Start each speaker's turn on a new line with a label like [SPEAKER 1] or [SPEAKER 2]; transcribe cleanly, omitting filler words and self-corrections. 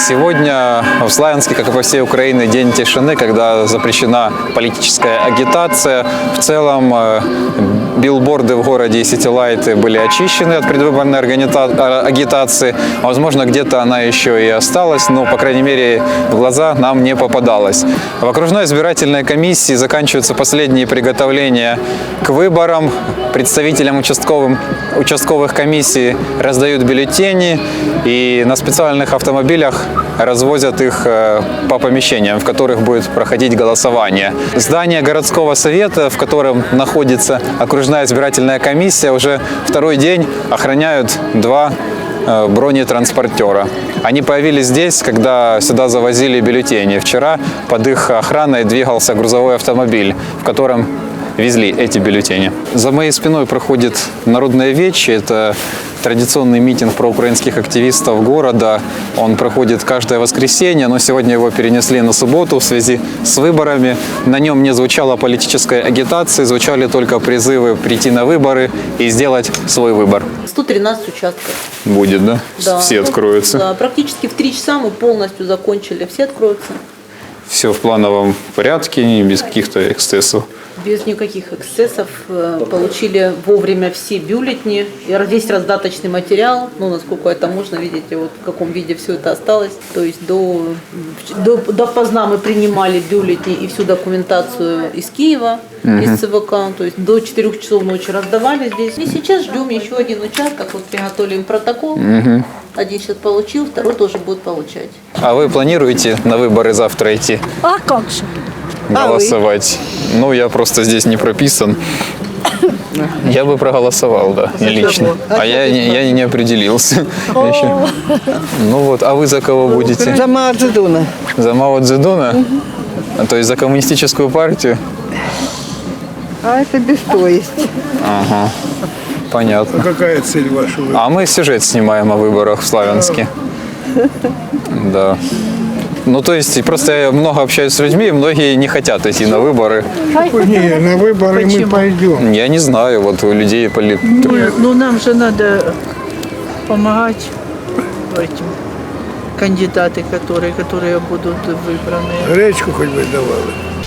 [SPEAKER 1] Сегодня в Славянске, как и по всей Украине, день тишины, когда запрещена политическая агитация. В целом билборды в городе и ситилайты были очищены от предвыборной агитации. Возможно, где-то она еще и осталась, но, по крайней мере, в глаза нам не попадалась. В окружной избирательной комиссии заканчиваются последние приготовления к выборам. Представителям участковых комиссий раздают бюллетени и на специальных автомобилях развозят их по помещениям, в которых будет проходить голосование. Здание городского совета, в котором находится окружная избирательная комиссия, уже второй день охраняют два бронетранспортера. Они появились здесь, когда сюда завозили бюллетени. Вчера под их охраной двигался грузовой автомобиль, в котором везли эти бюллетени. За моей спиной проходит Народное вече. Это традиционный митинг проукраинских активистов города. Он проходит каждое воскресенье, но сегодня его перенесли на субботу в связи с выборами. На нем не звучала политическая агитация, звучали только призывы прийти на выборы и сделать свой выбор.
[SPEAKER 2] 113 участков.
[SPEAKER 1] Будет, да?
[SPEAKER 2] Да.
[SPEAKER 1] Все откроются?
[SPEAKER 2] Да, практически в 3 часа мы полностью закончили. Все откроются.
[SPEAKER 1] Все в плановом порядке, без каких-то эксцессов?
[SPEAKER 2] Без никаких эксцессов. Получили вовремя все бюллетени, весь раздаточный материал. Ну, насколько это можно, видите, вот в каком виде все это осталось. То есть допоздна мы принимали бюллетени и всю документацию из Киева, из ЦВК. То есть до 4 часов ночи раздавали здесь. И сейчас ждем еще один участок. Вот приготовим протокол. Один сейчас получил, второй тоже будет получать.
[SPEAKER 1] А вы планируете на выборы завтра идти?
[SPEAKER 3] А как же?
[SPEAKER 1] Голосовать? Ну, я просто здесь не прописан. Я бы проголосовал, да, не лично. А я не определился еще. Ну вот, а вы за кого будете?
[SPEAKER 4] За Мао Цзэдуна.
[SPEAKER 1] За Мао Цзэдуна? То есть за коммунистическую партию?
[SPEAKER 4] А это без то есть.
[SPEAKER 1] Ага, понятно.
[SPEAKER 5] А какая цель ваша?
[SPEAKER 1] А мы сюжет снимаем о выборах в Славянске. Да. Ну, то есть, просто я много общаюсь с людьми, и многие не хотят идти на выборы.
[SPEAKER 5] Не, на выборы мы пойдем.
[SPEAKER 1] Я не знаю, вот у людей
[SPEAKER 3] Ну, нам же надо помогать этим кандидаты, которые будут выбраны.
[SPEAKER 5] Гречку хоть бы давали.